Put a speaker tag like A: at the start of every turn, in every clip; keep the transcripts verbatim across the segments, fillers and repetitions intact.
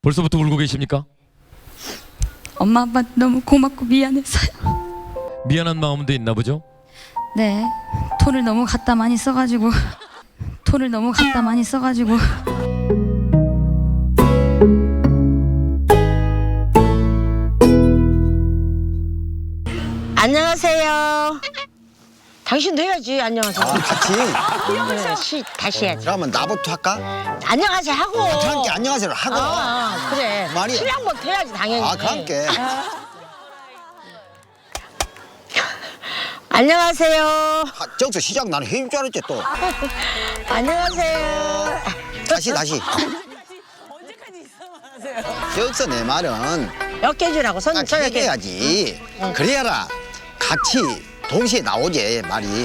A: 벌써부터 울고 계십니까?
B: 엄마 아빠 너무 고맙고 미안해서요.
A: 미안한 마음도 있나 보죠?
B: 네, 돈을 너무 갖다 많이 써가지고 돈을 너무 갖다 많이 써가지고
C: 안녕하세요. 당신도 해야지. 안녕하세요.
D: 아, 같이.
C: 네, 시, 다시 해야지.
D: 그러면 나부터 할까?
C: 안녕하세요 하고.
D: 함께 안녕하세요 하고.
C: 아, 아, 그래.
D: 말이야.
C: 신랑부터 해야지 당연히.
D: 아, 함께.
C: 안녕하세요.
D: 아, 저기서 시작 나는 해줄 줄 알았지 또.
C: 안녕하세요.
D: 다시 다시. 여기서 내 말은
C: 엮여주라고 손
D: 딱
C: 저렇게.
D: 얘기해야지. 그래야라 같이 동시에 나오지 말이.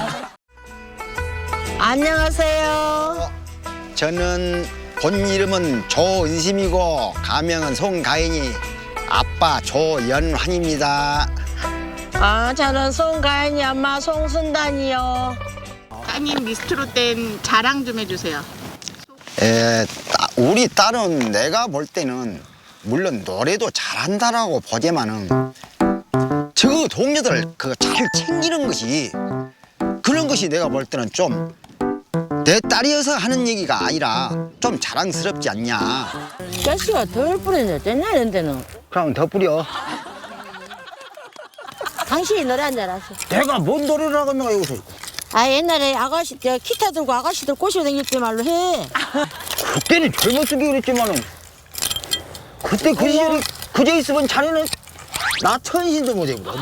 C: 안녕하세요.
D: 저는 본 이름은 조은심이고 가명은 송가인이 아빠 조연환입니다.
C: 아, 저는 송가인이 엄마 송순단이요.
E: 따님 미스트로 땐 자랑 좀 해주세요.
D: 에, 따- 우리 딸은 내가 볼 때는 물론 노래도 잘한다라고 보지만은 저 동료들 그거 잘 챙기는 것이 그런 것이 내가 볼 때는 좀 내 딸이어서 하는 얘기가 아니라 좀 자랑스럽지 않냐.
C: 자식아 덜 뿌리네. 됐냐 이런데는.
D: 그럼 더 뿌려.
C: 당신이 노래 한 줄 알았어.
D: 내가 뭔 노래를 하겠나 여기서.
C: 아, 옛날에 아가씨 때 기타 들고 아가씨들 꼬시고 다닐 때 말로 해.
D: 그때는 젊었으기 그랬지만은 그때 그 시절에 그저 있으면 자네는 나 천신도 못해 그래.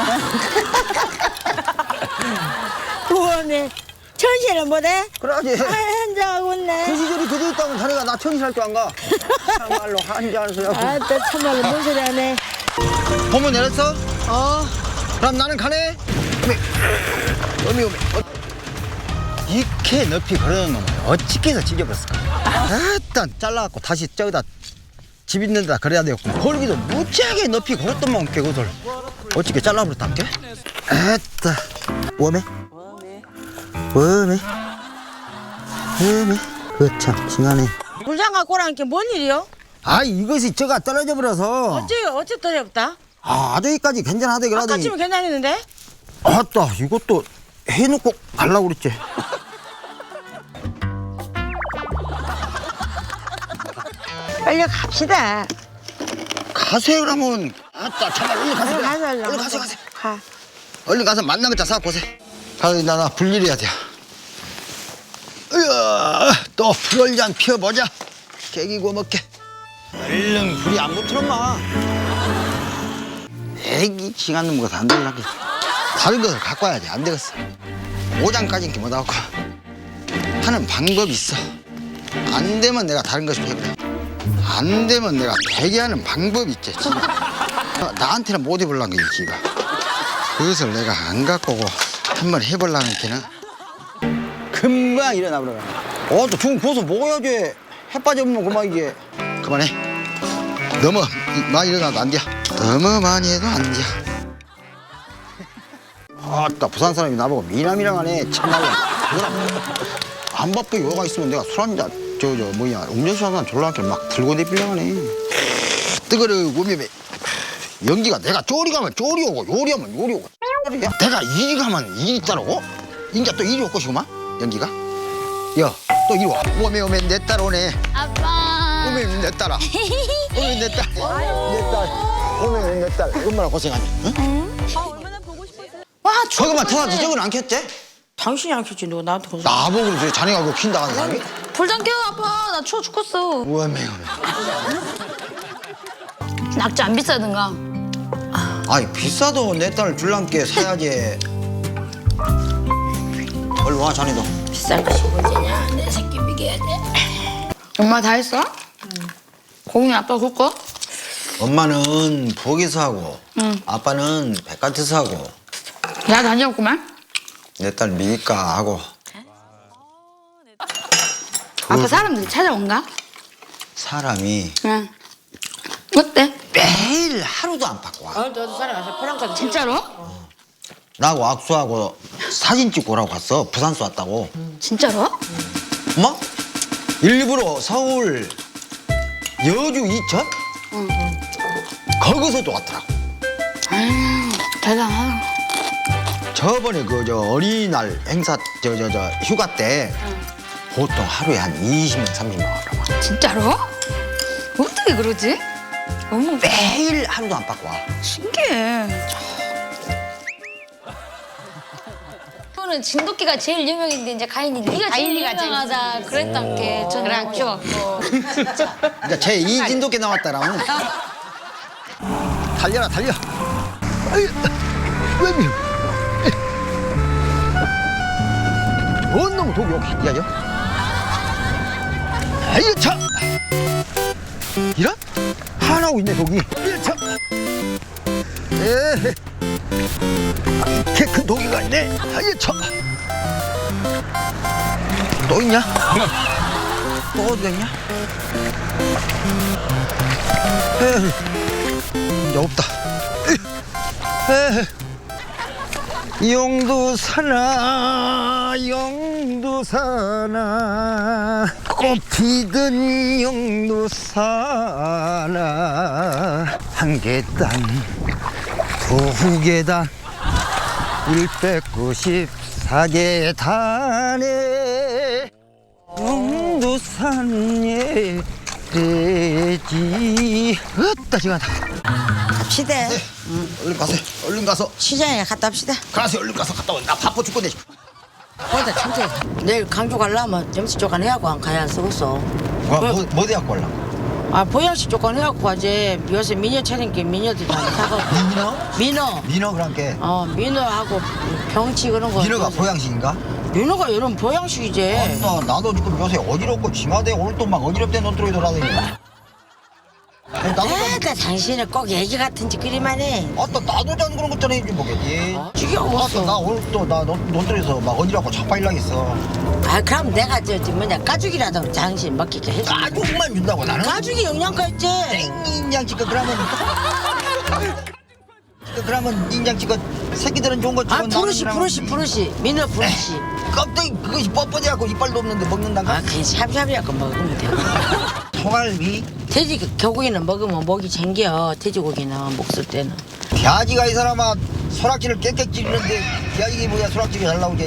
C: 그거네. 천신을 못해?
D: 그러지.
C: 아, 한장하고
D: 그
C: 있네.
D: 시절이 그저 있다면 자네가 나 천신 할 줄 안 가. 참말로 한잔해서요.
C: 아, 또 참말로 뭔 소리 하네.
D: 보면 내렸어?
C: 어.
D: 그럼 나는 가네. 어미, 어미, 어미. 어. 이렇게 높이 걸어놓은 놈을 어떻게 해서 찢어버렸을까? 일단 잘라갖고 다시 저기다 집 있는 데다 걸어야 되겠고 걸기도 무지하게 높이 걸었더만 그것을 어떻게 잘라버렸단게? 에따 웜에? 웜에? 웜에? 그참 징하네.
C: 물장갑 꼬라는 게 뭔 일이요?
D: 아 이것이 저가 떨어져 버려서
C: 어째, 어째 떨이 없다?
D: 아 아저기까지 괜찮하대
C: 아까
D: 그러더니
C: 치면 괜찮았는데?
D: 아따 이것도 해놓고 가려고 그랬지.
C: 빨리 갑시다.
D: 가세요 그러면. 아따 참말 얼른 가세요.
C: 가서, 가서,
D: 얼른
C: 가서.
D: 가세요 가세요.
C: 가.
D: 얼른 가서 만난 거다 사보세요. 가서 나나 불일해야 돼. 으아 또 불얼잔 피워보자. 깨기 구워 먹게. 얼른 불이 안 붙으면 마. 애기 징한 놈 것도 안 되려게. 다른 것을 갖고 와야지 안 되겠어. 오장까지는 못하고 하는 방법이 있어. 안 되면 내가 다른 것을 해버려. 안 되면 내가 되게 하는 방법이 있지. 지가. 나한테는 못 해보려는 게 지가. 그것을 내가 안 갖고 오고 한번 해보려는 게는 금방 일어나 버려. 어, 또 죽은 고서 먹어야지. 해 빠져보면 그만 이게. 그만해. 너무 많이 일어나도 안 돼. 너무 많이 해도 안 돼. 아따 부산 사람이 나보고 미남이랑 하네. 참말로. 안 바쁘게 요가 있으면 내가 술 한잔 저 저 뭐냐 음료수 한잔 졸라게 막 들고 내빌려 하네. 뜨거르고 우미매 연기가 내가 쪼리 가면 쪼리 오고 요리 하면 요리 오고 야, 내가 이리 가면 이리 따라오고 인자 또 이리 올 것이구만 연기가. 야 또 이리 와. 오메 오메 내 딸 오네.
B: 아빠
D: 오메 내 딸아. 오메 내 딸. 내 딸. 오메 내 딸. 얼마나 고생하냐. 응?
B: 와
D: 저거만 터놔도 저건 안 켰지?
C: 당신이 안 켰지, 누가 나한테 그러지?
D: 나보고 그래 자네가 그거 킨다 하는 사람이?
B: 불장 깨워 아빠 나 추워 죽겠어.
D: 오메 오메.
B: 낙지 안 비싸든가.
D: 아니 비싸도 내 딸 줄랑께 사야지. 얼른 와 자네도.
C: 비싼 것이 문제냐? 내 새끼 미겨야 돼.
B: 엄마 다 했어? 응. 공이 아빠 굴 거?
D: 엄마는 부엌에서 하고
B: 응.
D: 아빠는 바깥에서 하고
B: 야 다녀왔구만.
D: 내 딸 미니까 하고.
B: 아빠 사람들이 찾아온가?
D: 사람이
B: 응. 어때?
D: 매일 하루도 안 바꿔 와.
C: 어, 너도 사람 와서 포랑까지.
B: 진짜로?
D: 나하고 악수하고 사진 찍고 오라고 갔어. 부산서 왔다고.
B: 진짜로?
D: 뭐? 일부러 서울 여주 이천? 응. 거기서도 왔더라고.
B: 대단하다.
D: 저번에 그 저 어린이날 행사 저 저 저 휴가 때 보통 하루에 한 이십 명, 삼십 명 와라.
B: 진짜로? 어떻게 그러지? 너무
D: 매일 하루도 안 바꿔 와.
B: 신기해. 저는 진돗개가 제일 유명인데 이제 가인이 네가 제일
E: 가인이가 제일
B: 유명하다 그랬던 게 저는 웃겨갖고.
D: 이제 제 이진도께 나왔다라면 달려라 달려. 아이, 왜미? 뭔 놈 독이 여기 야요? 아이 참. 이런? 하나고 있네 독이. 이 참. 에. 이렇게 큰 독이가 있네. 아이 참. 또 있냐? 또 어디 있냐? 에이, 이제 없다. 에이. 용두사나 용두사나 꽃피든 용두사나 한 계단 두 계단 일백구십사 계단에 용두산에 돼지 어따 시간다.
C: 갑시다.
D: 응, 얼른 가세요. 얼른 가서
C: 시장에 갔다 합시다.
D: 가세요. 얼른 가서 갔다 와. 나 바빠 죽겠네.
C: 거기다 천천히. 내일 강주 가려면 점심 조건 해갖고 안 가야 쓰겠어.
D: 뭐, 뭐, 뭐 대학교 올라?
C: 아 보양식 조건 해갖고 가지. 요새 미녀 차린게 미녀들 다 사고.
D: 민어?
C: 민어.
D: 민어 그랑께.
C: 어 민어하고 병치 그런 거.
D: 민어가 보양식인가?
C: 민어가 이런 보양식이지.
D: 나, 나도 지금 요새 어지럽고 징하대 오늘 또 막 어지럽대 논두렁이 돌아다니네. 아니, 나도 좀,
C: 에다 당신은 꼭 얘기 같은 짓거리만 해.
D: 아따 나도 전 그런 것처럼 해주지 뭐겠지.
C: 어? 지겨웠어.
D: 아따 나 오늘 또나 논두렁에서 막 어지럽고 자빠일라겠어.
C: 아 그럼 내가 저, 저 뭐냐 가죽이라도 당신 먹기게 해줘.
D: 가죽만 준다고 나는?
C: 가죽이 영양가 있지.
D: 인장치껏 그러면 그러면 인장치껏 새끼들은 좋은 거
C: 아
D: 주고
C: 부르시
D: 나는
C: 부르시
D: 그러면
C: 부르시 민어 부르시.
D: 껍데기 그것이 뻣뻣해갖고 이빨도 없는데 먹는단가?
C: 아 그냥 샵샵이갖고 먹으면 돼.
D: 소갈비?
C: 돼지 개고기는 먹으면 목이 챙겨. 돼지고기는 목 쓸 때는.
D: 돼지가 이 사람아 소락지를 깨끗 찌르는데 야 이게 뭐야 소락지가 잘 나오게.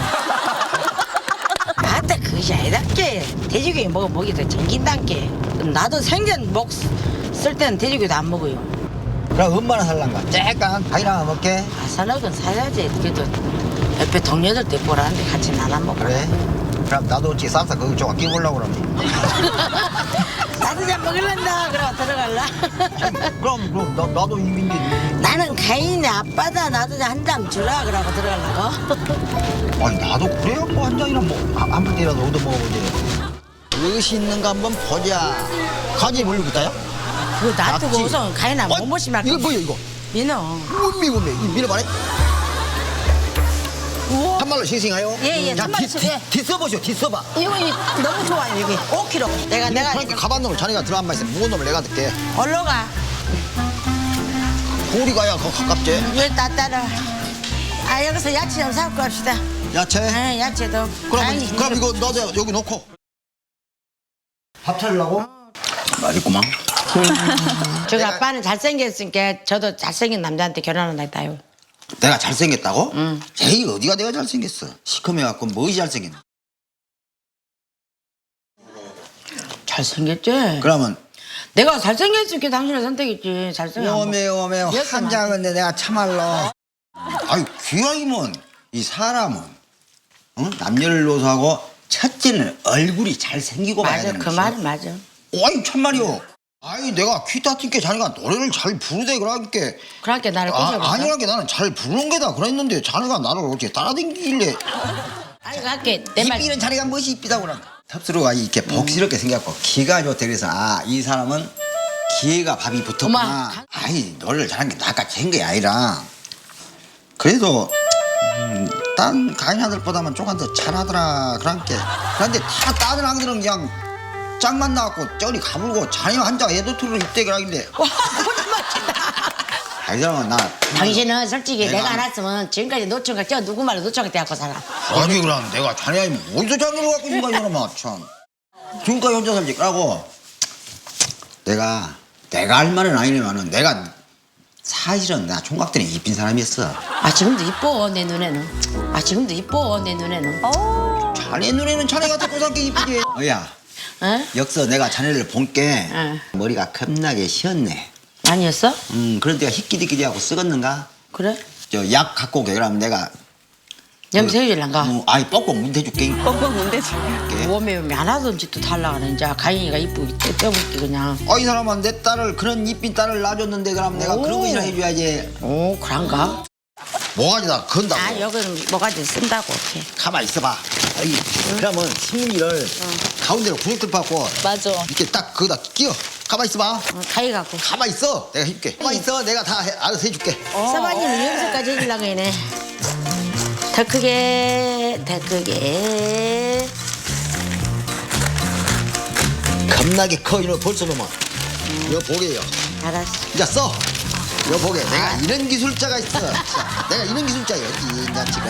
C: 아따 그것이 아니다께. 돼지고기 먹으면 목이 더 챙긴단께. 나도 생전 목 쓸 때는 돼지고기도 안 먹어요.
D: 그럼 엄마나 살란가? 쬐깐 가이나 먹게.
C: 아사너건 사야지. 그래도 옆에 동료들 때 보라는데 같이 나눠 먹어.
D: 그래? 그럼 나도 어찌 싹싹 그거 조금 끼우려고 그러면.
C: 나도 잘 먹을란다. 그럼 들어갈라.
D: 그럼 그럼 나, 나도 이민지.
C: 나는 가인이 아빠다. 나도 한 잔 주라. 그러고 들어가려고.
D: 아니 나도 그래야 뭐 한 잔이나 뭐한 풀대라도 얻어 먹어보지. 무엇이 있는가 한번 보자. 가지 뭘로 붙어요?
C: 그거 놔두고
D: 납치.
C: 우선 가인아 뭐 못못이 말고.
D: 이거 뭐야 이거?
C: 민어.
D: 음미 음미 이 민어 봐라.
C: 우와.
D: 한 말로 싱싱해요.
C: 예, 예,
D: 자,
C: 한 말로
D: 뒤-
C: 싱-
D: 뒤- 뒤써보시오 뒤써봐.
C: 이거 이- 너무 좋아요 여기 오 킬로그램. 내가 내가
D: 그러니까 가방 놈을 자네가 들어 한 말 있어. 무거운 놈을 내가 듣게.
C: 올라가.
D: 고리 가야 거 가깝지.
C: 여기 다 따라. 아 여기서 야채 좀 사고 갑시다.
D: 야채.
C: 아 야채도.
D: 그럼
C: 가인이
D: 그럼 이거 넣어서 여기 놓고. 밥 차리려고? 맛있구만.
C: 저기 아빠는 잘생겼으니까 저도 잘생긴 남자한테 결혼한다 했다요.
D: 내가 잘생겼다고?
C: 응.
D: 제이 어디가 내가 잘생겼어? 시커매갖고 무엇이 잘생겼나?
C: 잘생겼지?
D: 그러면
C: 내가 잘생겼으니까 당신을 선택했지. 잘생긴
D: 오메 오메 한 장은데 내가 참말로. 아유 귀하이면 이 사람은 응? 남녀를 노소하고 첫째는 얼굴이 잘생기고 봐야
C: 맞아
D: 되는
C: 그
D: 것이야.
C: 말은 맞아.
D: 아이 참말이오. 아이 내가 귀타 튕게 자네가 노래를 잘 부르대 그러니까
C: 그러니까 나를
D: 아,
C: 꼬셔봤어.
D: 아니라게 나는 잘 부르는 게다 그랬는데 자네가 나를 어떻게 따라다니길래
C: 아니 갈게 내 말.
D: 이삐는 자네가 무엇이 이삐다고 그런다. 탑스로가 이렇게 복스럽게 생겼고 기가 좋대 그래서 아 이 사람은 기회가 밥이 붙었구나.
C: 어마, 가-
D: 아이 노래를 잘한 게 나같이 한 게 아니라 그래도 음, 딴 가인 아들보다는 조금 더 잘하더라 그런게 그런데 다 다른 아들은 그냥 짝만 나갖고 저리 가불고 자네 한자 애도투를 입대 그러길래 아이 사람은 나
C: 당신은 솔직히
D: 내가
C: 내가, 안 왔으면 지금까지 노총각 저 누구 말로 노총각 때 갖고 살아.
D: 아니 그럼 내가 자네 아니면 어디서 장르를 갖고 있는 거야 이놈아 참 지금까지 혼자 살지 그러고 내가 내가 할 말은 아니지만은 내가 사실은 내가 총각 때는 이쁜 사람이었어.
C: 아 지금도 이뻐 내 눈에는. 아 지금도 이뻐 내 눈에는.
D: 자네 눈에는 자네 같은 꼬상게 이쁘지. 어야
C: 어?
D: 역서 내가 자네를 본게
C: 응.
D: 머리가 겁나게 쉬었네.
C: 아니었어?
D: 음 그런 데가 희끼디끼디하고 썩었는가?
C: 그래?
D: 저 약 갖고 오게 그러면 내가
C: 염색해줄란가?
D: 어, 아이 뻑뻑 문대줄게.
E: 뻥뻥 문대지.
C: 몸에 하나도 짓도 달라가네. 이제 가인이가 이쁘게 떼어볼게 그냥.
D: 아 이 사람은 내 딸을 그런 이쁜 딸을 낳아줬는데 그럼 내가
C: 오.
D: 그런 것이나 해줘야지.
C: 오 그런가?
D: 뭐가지다 건다고.
C: 아 여기는 뭐가지 쓴다고 이렇게.
D: 가만 있어봐. 아이, 그러면 신문지를 가운데로 구멍 뚫고
E: 맞아.
D: 이렇게 딱 거기다 끼워. 가만 있어봐.
C: 어, 가위 갖고.
D: 가만 있어. 내가 해줄게. 가만 있어. 내가 다 해, 알아서 해줄게.
C: 서방님은 염색까지 해주려고 해네. 더 크게 더 크게.
D: 겁나게 커. 이거 벌써 놈아. 이거 보게요.
C: 알았어.
D: 이제 써. 이거 보게. 내가 이런 기술자가 있어. 자, 내가 이런 기술자였지. 이제 지금.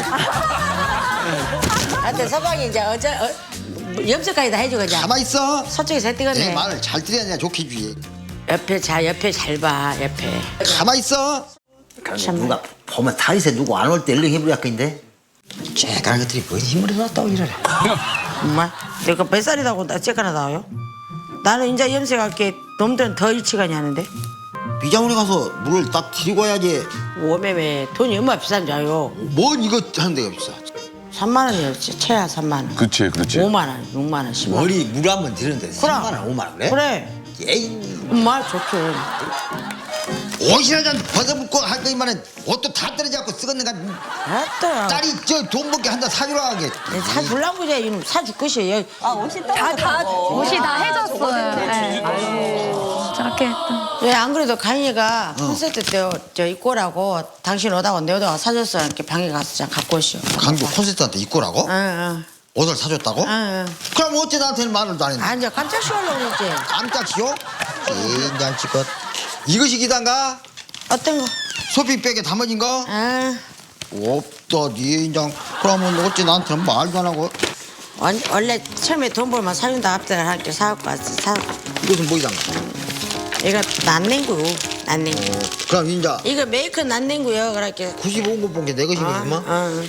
C: 하여튼 서방이 이제 어제 어, 염색까지 다 해주고 이제.
D: 가만 있어.
C: 서쪽에서
D: 내
C: 뜨거네.
D: 말을 잘 들어야 내가 좋게 해주지.
C: 옆에 자 옆에 잘 봐 옆에.
D: 가만 있어.
C: 참.
D: 누가 보면 다리새 누구 안 올 때 얼른 해버렸겠는데. 쬐까는 것들이 뭔 힘을 얻었다고 이러래.
C: 엄마 내가 몇 살이라고 나 쬐까나 나와요? 나는 이제 염색할게. 놈들은 더 일치간이 하는데.
D: 비자원에 가서 물을 딱 들이고 와야지.
C: 오매매 돈이 얼마나 비싼 줄 알아요?
D: 뭔 이거 하는 데가 비싸.
C: 삼만 원이었지 최하 삼만 원.
F: 그렇지, 그렇지.
C: 오만 원, 육만 원, 십만 원.
D: 머리 물 한 번 들이는데 삼만 원, 오만 원 그래?
C: 그래.
D: 에이,
C: 엄마 좋죠.
D: 옷이나 좀 벗어붙고 할 거이만은 옷도 다 떨어져갖고 썩었는가.
C: 알았다.
D: 딸이 저 돈 벌게 한다 사주라 하게.
C: 사 줄라고 그래 이놈 사줄 것이에요.
B: 다, 다, 옷이 다 해졌어요. 네. 아이고, 저렇게 했다.
C: 왜 안 그래도 가인이가 콘서트 때 저 입고 오라고 당신 오다가 내 오다가 사줬어. 이렇게 방에 가서 자 갖고 오시오.
D: 강도 콘서트한테 입고 라고?
C: 응, 응.
D: 옷을 사줬다고?
C: 응, 응.
D: 그럼 어째 나한테는 말을 안 했는데.
C: 아, 이제 깜짝 쉬려고 그랬지.
D: 깜짝이요? 인간치껏. 이것이 기단가?
C: 어떤 거?
D: 소피백에 담아진 거?
C: 아,
D: 없다, 니 인장. 그러면 어째 나한테는 말도 안 하고.
C: 원, 원래 처음에 돈 벌면 사준다 합작을 할게 사갖고 왔어. 사.
D: 이것은 뭐이단가?
C: 이거 난냉구, 난냉구.
D: 그럼 인자
C: 이거 메이크 난냉구요. 그렇게.
D: 구십오 건 본 게 내 것이구만.
C: 어.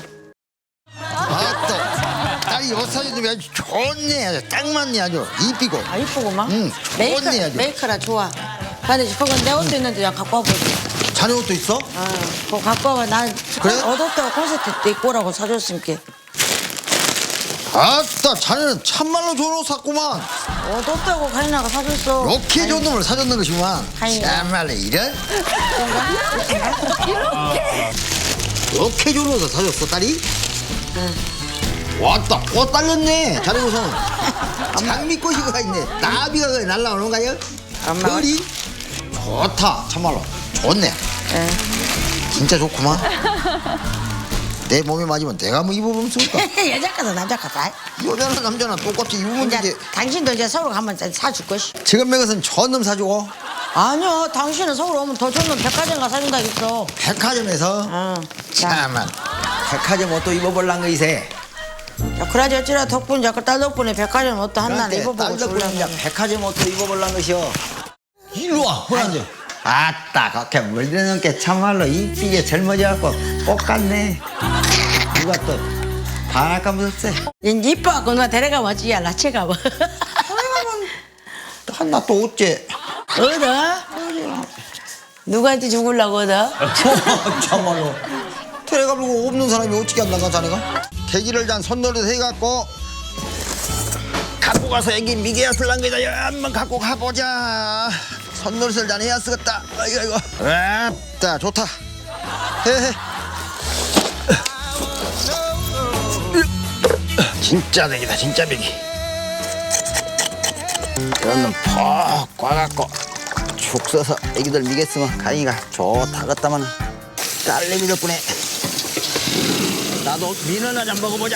D: 아따 딸이 옷 사주면 아주 좋네. 아주 딱 맞네 아주. 이쁘고.
C: 아 이쁘구만.
D: 응,
C: 메이크
D: 좋네, 아주.
C: 메이크라 좋아. 근데 그건 내 옷도 있는데 야 갖고 와보지.
D: 자네 옷도 있어?
C: 어, 그거 갖고 와봐. 난
D: 그래?
C: 어둡다고 콘서트 때 입고 오라고 사줬으니까.
D: 아따 자네는 참말로 좋은 옷 샀구만.
C: 어둡다고 가인아가 사줬어.
D: 이렇게 좋은 놈을 사줬는 것이구만.
C: 아이고.
D: 참말로 이런? 이렇게 좋은 옷을 사줬어 딸이? 왔다 꽃 달렸네. 자네 옷은 장미꽃이가 있네. 나비가 거기 날라오는 거요?
C: 엄마.
D: 별이? 좋다 참말로 좋네.
C: 예.
D: 진짜 좋구만. 내 몸에 맞으면 내가 뭐 입어보면 좋을까?
C: 여자 가서 남자 가서.
D: 여자나 남자나 똑같이 입으면
C: 이제
D: 되지.
C: 당신도 이제 서울 가면 사줄 것이.
D: 지금 내 것은 저놈 사주고
C: 아니요, 당신은 서울 오면 더 좋은 백화점 가 사준다 했어.
D: 백화점에서
C: 어. 자,
D: 참만 백화점 옷도 입어볼란 거 이세.
C: 야, 그러지 어찌라 덕분 자꾸 딸 덕분에 백화점 옷도 하나
D: 그런데
C: 입어보고
D: 딸 덕분에
C: 줄라고.
D: 이제 백화점 옷도 입어볼란 것이요. 일로 와 호란지. 아따 그렇게 물드는 게 참말로 이쁘게 젊어져갖고 똑같네. 누가 또 반할까 무섭세.
C: 이제 이뻐갖고 누가 데려가면 어찌 야 라체가 뭐.
D: 한나 또 어째.
C: 얻어? 누구한테 죽을라고 얻어?
D: 참말로 데려가려고 없는 사람이 어떻게 한다가 자네가? 계기를 잔 손노릇 해갖고 갖고 가서 애기 미개였을란 거다. 한번 갖고 가보자. 손노릇을 잔 해야 쓰겠다. 아이고 아이고. 아따 좋다. 헤헤. 진짜 맥이다 진짜 맥이. 이런 놈퍽 꽈갖고 죽 써서 애기들 미겠으면 가인이가 좋다 그랬다마는 딸내미 덕분에 나도 민어나 좀 먹어보자.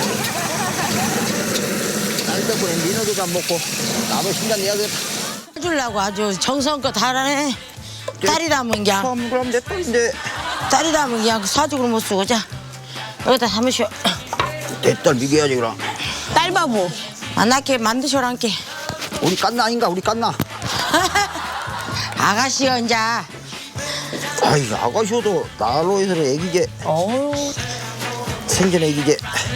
D: 딸 덕분에 민어도 좀 먹고 나도 힘장 내야 되겠다.
C: 해주려고 아주 정성껏 하라네. 딸이라면 그냥
D: 그럼 그럼 내 딸인데
C: 딸이라면 그냥 사주고 못 쓰고 자 여기다 담으시오.
D: 내 딸 미개야지 그럼.
C: 딸바보 안 낳게 만드셔란게.
D: 우리 깐나 아닌가 우리 깐나.
C: 아가씨가 이제
D: 아이 아가씨도 나로 해서 애기게.
C: 어우
D: 생전 애기게.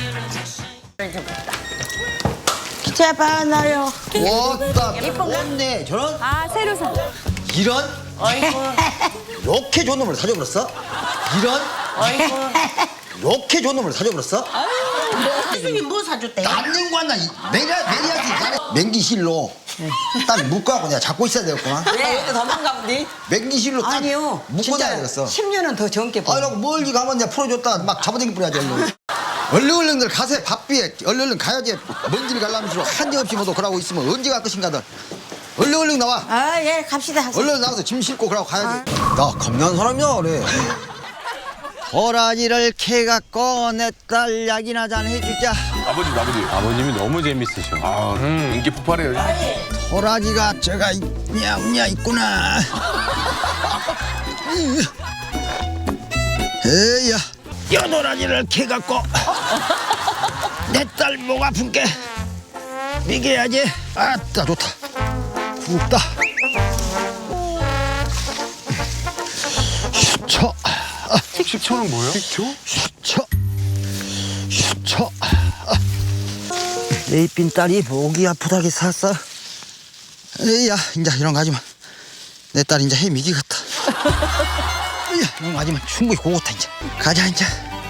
C: 기차봐 나요.
D: 왔다. 예쁜네. 저런.
B: 아 새로 사.
D: 이런.
C: 아이고
D: 이렇게 좋은 놈을 사줘버렸어? 이런.
C: 아이고
D: 이렇게 좋은 놈을 사줘버렸어?
C: 수준이 뭐 사줬대?
D: 남는 거 하나 매려 매려야지. 맹기실로 딱 묶어갖고 내가 잡고 있어야 되겠구나.
F: 네, 도망가 보니?
D: 맹기실로 딱
F: 아니요.
D: 묶고 다야 되겠어.
F: 십 년은 더 젊게 봐.
D: 아이라고 멀리 가면 내가 풀어줬다 막 잡아당기 뿌려야지. 얼른 얼른 얼른들 가세. 바삐에 얼른 얼른 가야지. 먼 길 가려면서 한지 없이 뭐도 그러고 있으면 언제 갈 것인가들. 얼른 얼른 나와.
C: 아 예 갑시다.
D: 얼른 나가서 짐 싣고 그러고 가야지. 나 겁나는 사람이야 그래. 호라지를 캐갖고 내 딸 약이나 잔 해주자.
G: 아버지, 아버지.
H: 아버님이 너무 재밌으셔.
G: 아, 인기 폭발해요.
D: 호라지가 저가 있냐 없냐 있구나. 에이야 뼈도라지를 캐갖고 내 딸 목 아픈 게 미개야지. 아따 좋다. 굽다. 슈쳐.
G: 식초는 뭐예요? 식초?
D: 슈쳐. 슈쳐. 내 이쁜 딸이 목이 아프다게 샀어. 에이야 이제 이런 거 하지마. 내 딸 이제 해미기 같다. 에이야 이런 거 하지마. 충분히 고고다 이제. 가자 이제.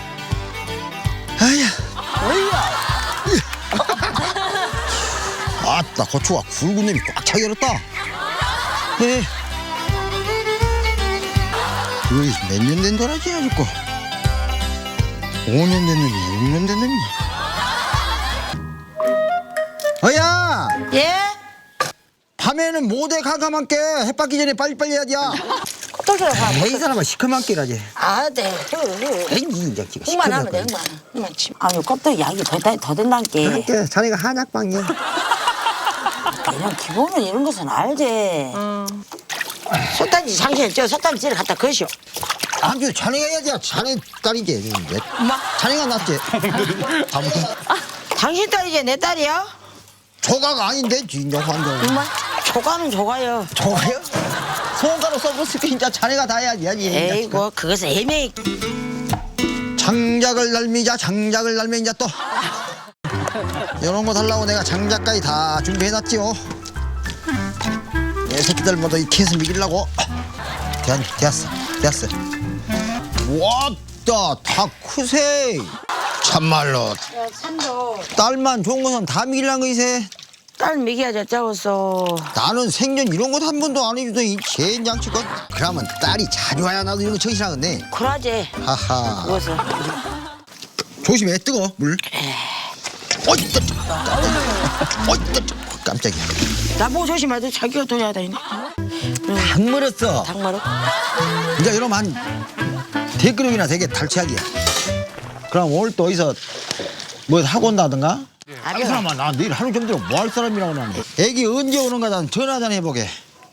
D: 아야. 아따 고추가 굵은 놈이 꽉 차게 열었다. 에. 어이 몇 년 된 도라지야 죽고. 오 년 된 놈이 육 년 된 놈이. 어야
C: 예?
D: 밤에는 모대 가감한게 해 빠기 전에 빨리빨리 해야지.
C: 또 저래 봐.
D: 에이 사람아 시커멓게 일하지.
C: 아 네.
D: 에이 이제 지금
C: 흑만 하면 돼 흑만. 흑만 치. 아유 껍데기 양이 더, 더 된다니까.
D: 그러니까 자네가 한약방이야.
C: 그냥 기본은 이런 것은 알지. 솥단지 장신에 저 솥단지를 갖다 거시오.
D: 아주 자네가 해야지. 자네 딸이지 이제.
C: 엄마
D: 자네가 낫지.
C: 당신 딸이지 내 딸이야?
D: 조각 아닌데 진짜 환경.
C: 엄마 조가는 조가요.
D: 조각이요? 손가락 써봤을 때 진짜 자네가 다 해야지.
C: 에이고 그것은 애매히.
D: 장작을 날미자 장작을 날면 이제 또 이런 거 달라고 내가 장작까지 다 준비해놨지요. 내 새끼들 모두 이 캐서 미기려고. 됐, 됐어 됐어. 왔다 다 크세. 참말로 딸만 좋은 것은 다 미기려는 거이세.
C: 딸 미기야 짜웠어.
D: 나는 생전 이런 것 한 번도 안 해주더니 젠장치건. 그러면 딸이 자주 와야 나도 이런 거 정신하겠네.
C: 그러지.
D: 하하.
C: 그것은.
D: 조심해 뜨거 물. 어이 뜨 어이 뜨 깜짝이야.
C: 나보고 조심해야 자기가 더 해야 되네.
D: 닭 물었어.
C: 닭마루.
D: 이제 이러면 한 대그릇이나 되게 달치하기야. 그럼 오늘 또 어디서 뭐 하고 온다든가? 이 사람아 나 내일 하루 정도로 뭐 할 사람이라고 나는. 애기 언제 오는가 난 전화 좀 해보게.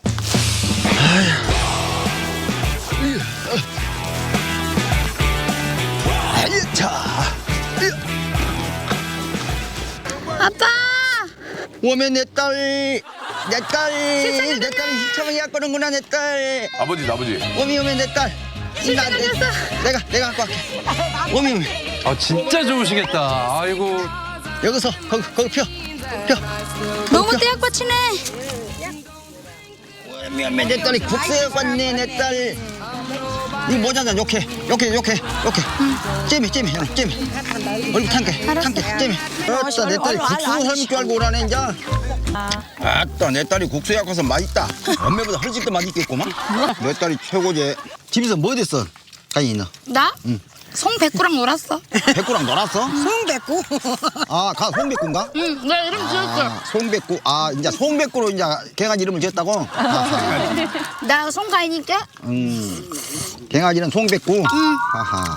D: 아휴. 자.
B: 아빠.
D: 오면 내 딸, 내 딸, 내 딸이 시청을 약거는구나 내 딸.
G: 아버지, 아버지.
D: 오미 오면 내 딸. 나, 내, 내가 내가 갖고 갈게. 오미 오미.
H: 아 진짜 좋으시겠다. 아이고.
D: 여기서 거기 거기 펴, 펴.
B: 너무 떼약받치네.
D: 오미 오면 내 딸이 국수에 갔네 내 딸. 이 모자는 욕해, 욕해, 욕해, 욕해. 잼이, 잼이, 형, 잼이. 얼굴 탕게, 탕게, 잼이. 아따, 내 딸이 국수 삶을 줄 알고 오라네, 이제. 아따, 내 딸이 국수에 가서 맛있다. 엄매보다 훨씬 더 맛있겠구만. 내 딸이 최고지. 집에서 뭐 됐어, 가인이 너?
B: 나? 송백구랑 놀았어.
D: 백구랑 놀았어?
C: 송백구.
D: 아, 가 송백구인가?
B: 응, 나 이름 지었어.
D: 아, 송백구. 아, 이제 송백구로 이제 갱아지 이름을 지었다고? 아하.
B: 나 송가인이니까.
D: 음, 갱아지는 송백구. 응. 아하.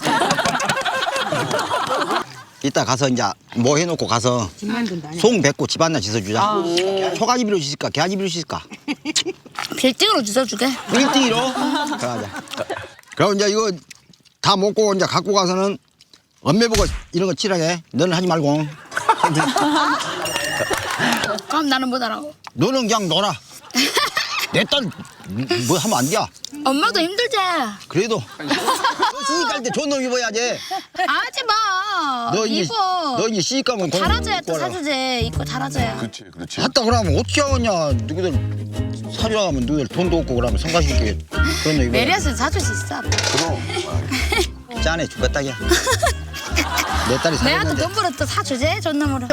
D: 이따 가서 이제 뭐 해놓고 가서 송백구 집 하나 짓어주자. 초가집으로 짓을까? 개아집으로 짓을까?
B: 빌딩으로 주워주게.
D: 빌딩으로? 그러자. 그럼 이제 이거 다 먹고 이제 갖고 가서는 엄매 보고 이런 거 칠하게. 너는 하지 말고.
B: 그럼 나는 못 하라고.
D: 너는 그냥 놀아. 내 딸 뭐 하면 안 돼?
B: 엄마도 힘들지?
D: 그래도 시집 갈 때 좋은 놈 입어야지.
B: 하지 마.
D: 너 이제
B: 입어.
D: 너 이제 시집 가면
B: 잘하줘야 또 사주지. 입고 잘하줘야.
G: 그렇지, 그렇지.
D: 갔다 그러면 어떻게 하겠냐. 누구들 사주라 하면 누구들 돈도 없고 그러면 성가시게 그런 거 입어.
B: 메리아스는 사줄 수 있어. 아빠.
G: 그럼.
D: 짠해 죽겠다기야. 내 딸이
B: 내한테
D: 살았는데.
B: 돈 벌어 또 사주지? 존놈으로.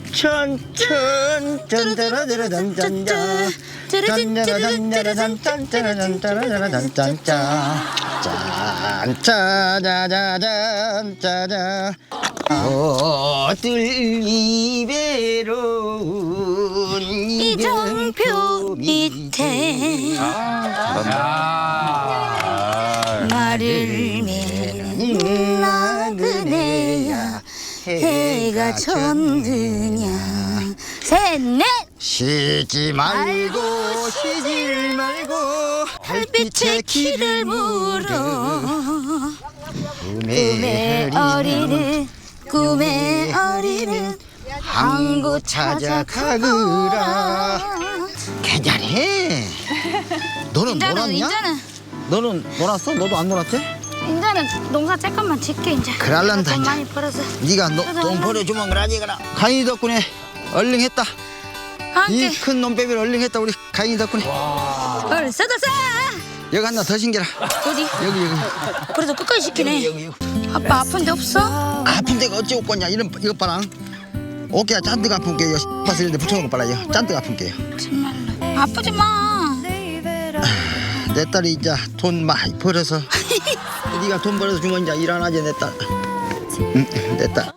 D: 짠짠짠 짠짜라짜라짠짠짠 짠짜라짠짜라짠짠짜라짠짠짠짠짠 짠짜자자잔 어들 이베로운
B: 이정표 밑에 말을 믿는 나그네야 해가 졌느냐 셋넷
D: 쉬지 말고 쉬지 말고
B: 달빛에 길을 물어 꿈의
D: 꿈의
B: 어리는 꿈의 어리는 항구 찾아가거라.
D: 괜찮해. 너는
B: 인자는
D: 놀았냐?
B: 인자는
D: 너는 놀았어? 너도 안 놀았지?
B: 인자는 농사 조금만 짓게 이제.
D: 그럴란다,
B: 돈
D: 이제.
B: 많이 벌어서.
D: 네가 너, 돈 벌어주면 그러지 그라. 가인이 덕분에 얼른 했다. 이
B: 함께
D: 큰 놈빼비를 얼른 했다 우리 가인이 덕분에.
B: 얼 써다 써.
D: 여기 하나 더 신겨라.
B: 어디?
D: 여기 여기
B: 그래도 끝까지 시키네.
D: 여기 여기.
B: 아빠 아픈 데 없어?
D: 아픈 데가 어찌 없겠냐. 이런 이것 봐라. 어깨가 짠뜩 아픈 게요. 밭을 이런데 붙여놓고 빨라요. 짠뜩 아픈 게요.
B: 정말로. 아프지 마.
D: 내 딸이 이제 돈 많이 벌어서 네가 돈 벌어서 주면 이제 일 안 하지 내 딸. 응, 내 딸.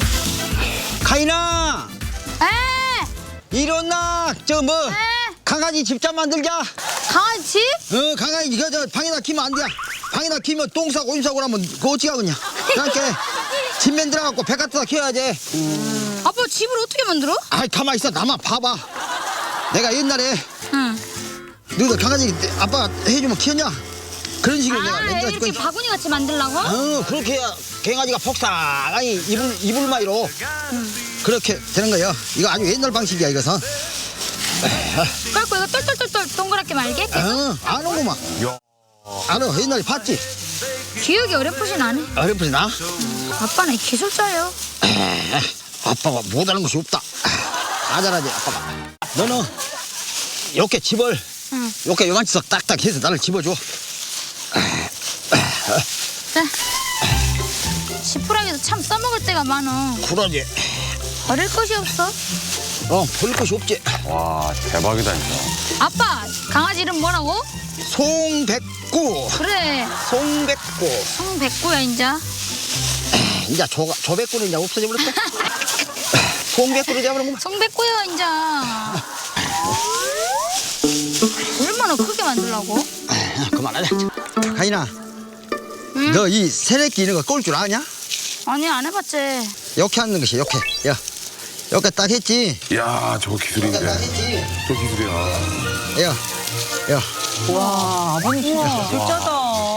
D: 가인아
B: 에?
D: 일어나. 저 뭐 강아지 집자 만들자.
B: 강아지?
D: 어 강아지 이거 저 방에다 키면 안 돼. 방에다 키면 똥 싸고 오줌 싸고 그러면 그거 어찌 하겠냐. 그러니까 집 만들어갖고 배 갖다 키워야지.
B: 아빠 집을 어떻게 만들어?
D: 아이 가만 있어. 나만 봐봐. 내가 옛날에
B: 응.
D: 너희들 강아지 아빠가 해주면 키웠냐? 그런 식으로 내가
B: 아
D: 만들어 줄
B: 이렇게
D: 거야.
B: 바구니 같이 만들라고?
D: 어 그렇게 해야 강아지가 폭삭하니 이불 이불마이로 그렇게 되는 거예요. 이거 아주 옛날 방식이야 이것은.
B: 그래갖고 이거 똘똘똘똘 동그랗게 말게?
D: 어 아는구만. 알아 옛날에 봤지.
B: 기억이 어렴풋이 나네.
D: 어렴풋이 나.
B: 아빠는 기술자예요.
D: 에이, 아빠가 못하는 것이 없다. 다 잘하지 아빠가. 너는 이렇게 집을
B: 응.
D: 이렇게 요만치석 딱딱 해서 나를 집어줘.
B: 자. 지푸라기도 참 써먹을 때가 많어.
D: 그러지.
B: 버릴 것이 없어.
D: 어 볼 것이 없지.
H: 와, 대박이다, 진짜.
B: 아빠 강아지 이름 뭐라고?
D: 송백구.
B: 그래
D: 송백구.
B: 송백구야 인자.
D: 이제 조 조백구는 이제 없어져 버렸다. 송백구를 잡으는 거.
B: 송백구야 인자. 얼마나 크게 만들라고?
D: 그만하자. 가인아,
B: 응?
D: 너 이 새내끼 이런 거 꼴 줄 아냐?
B: 아니 안 해봤지.
D: 이렇게 하는 것이 이렇게. 야, 이렇게 딱 했지.
G: 야, 저거 기술인데.
D: 딱 했지.
G: 저 기술이야.
D: 야, 야.
F: 와, 아버님 진짜 기술자다.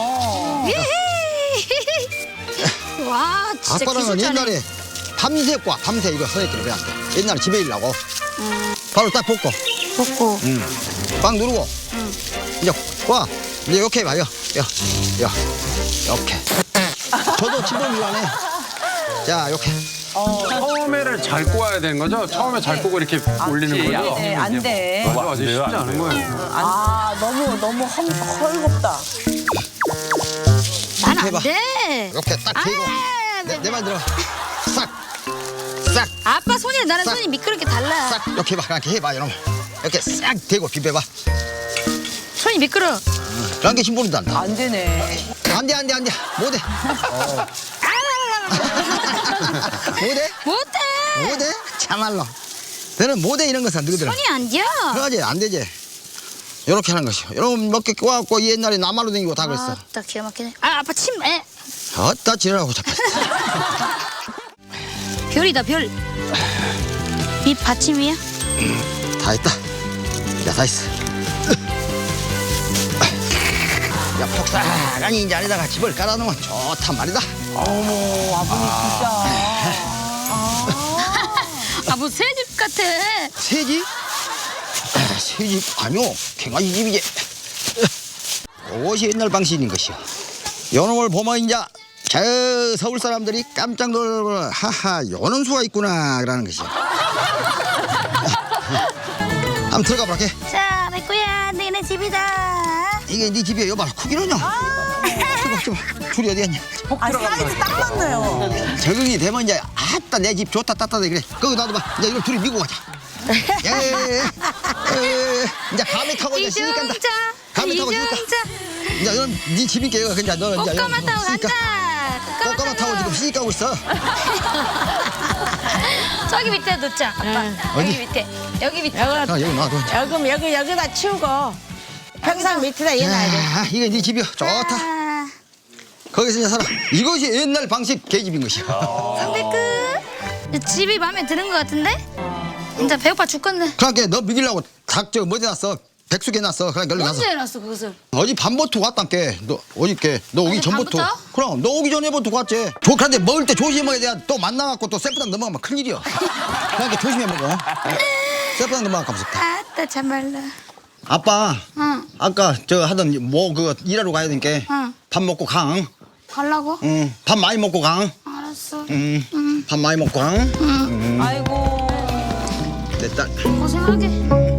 B: 와 진짜
D: 아빠랑은
B: 기술자네.
D: 옛날에 밤새 과 밤새 이거 새내끼를 배웠대. 옛날에 집에 일라고. 바로 딱 볶고.
B: 먹고.
D: 응. 빵 누르고. 이제 와. 이제 이렇게 해봐요. 야, 야, 이렇게. 저도 집을 일하네. 자, 이렇게.
H: 처음에를 잘 꼬아야 되는 거죠? 처음에 잘 꼬고 이렇게 올리는 거죠?
F: 네, 안 돼.
H: 맞아, 맞아. 쉽지 않은 거예요.
F: 아, 너무, 너무 헐, 헐겁다.
B: 난 안
D: 해봐.
B: 돼.
D: 이렇게 딱 대고.
B: 아,
D: 내, 내 말 들어. 싹. 싹.
B: 아빠 손이랑 나랑
D: 싹.
B: 손이 미끄럽게 달라.
D: 싹. 이렇게 해봐. 이렇게 해봐. 이러면. 이렇게 싹 대고 비벼봐.
B: 손이 미끄러.
D: 그런 게 신분이도 안 나.
F: 안 되네.
D: 안 돼, 안 돼, 안 돼. 못해. 못해?
B: 못해.
D: 못해? 참말로. 너는 못해 이런 것은 너희들은.
B: 손이 안 돼.
D: 그러지 안 되지. 요렇게 하는 것이요. 요런 몇 개 꼬아갖고 옛날에 나말로 다니고 다 그랬어.
B: 딱 기가 막히네. 아 아빠 침. 에.
D: 어따 지랄하고 잡혔어.
B: 별이다 별. 밑 받침이야?
D: 다 했다. 야, 다 했어. 야, 폭삭하니 이제 안에다가 집을 깔아놓으면 좋단 말이다.
F: 어머, 아버님 진짜.
B: 아 뭐 새집 같아.
D: 새지? 새집 아니오, 갱아지 집이지. 이것이 옛날 방식인 것이요. 요놈을 보면 이제 저 서울 사람들이 깜짝 놀라고 하하 요런 수가 있구나라는 것이요. 한번 들어가 보라.
B: 자, 맥구야, 너네 집이다.
D: 이게 네 집이야. 여봐, 크기는요. 저봐, 저봐. 줄이 어디 갔냐?
F: 아, 사이즈 딱 맞네요.
D: 적응이 되면 이제 아따 내 집 좋다 따뜻하다 그래. 거기 놔둬봐. 이제 이걸 둘이 미고 가자. 예예예. 이제 감에 타고 이제 시집 간다.
B: 이중자,
D: 감에 타고 시집 가.
B: 이중자.
D: 이제 넌 네 집이니까 이거 그냥 너 이제
B: 꽃가마 타고
D: 시집 가.
B: 간다.
D: 꽃가마 타고 지금 시집 가고 있어.
B: 저기 밑에 놓자, 아빠.
D: 어디?
B: 여기 밑에. 여기 밑에.
D: 아, 여기 놔둬.
C: 여기 여기 여기다 치우고 평상 밑에다 해놔야 돼.
D: 야, 이게 네 집이야. 좋다.
B: 아,
D: 거기서 이제 살아. 이것이 옛날 방식 개집인 것이야.
B: 선배 끝. 집이 마음에 드는 것 같은데? 진짜 배고파 죽겠네.
D: 그러니까 너 믿으려고 닭저 뭐지 놨어? 백숙 해놨어. 그러니까 얼른 가서.
B: 언제 해놨어, 그것을?
D: 어제 밤부터 왔단께. 너 어저께 너 오기
B: 어제
D: 전부터.
B: 밤부터?
D: 그럼 너 오기 전에부터 왔지. 조카한테 먹을 때 조심해야 돼. 또 만나갖고 또 셀프당 넘어가면 큰일이야. 그러니까 조심해 먹어. 셀프당 넘어가면 무섭다.
B: 아따, 참말라.
D: 아빠.
B: 응.
D: 아까 저 하던 뭐 그거 일하러 가야 되니까.
B: 응.
D: 밥 먹고 강.
B: 가려고?
D: 응. 밥 많이 먹고 강.
B: 알았어.
D: 응. 밥 많이 먹고 강.
F: 아이고.
D: 내 딸.
B: 고생하게.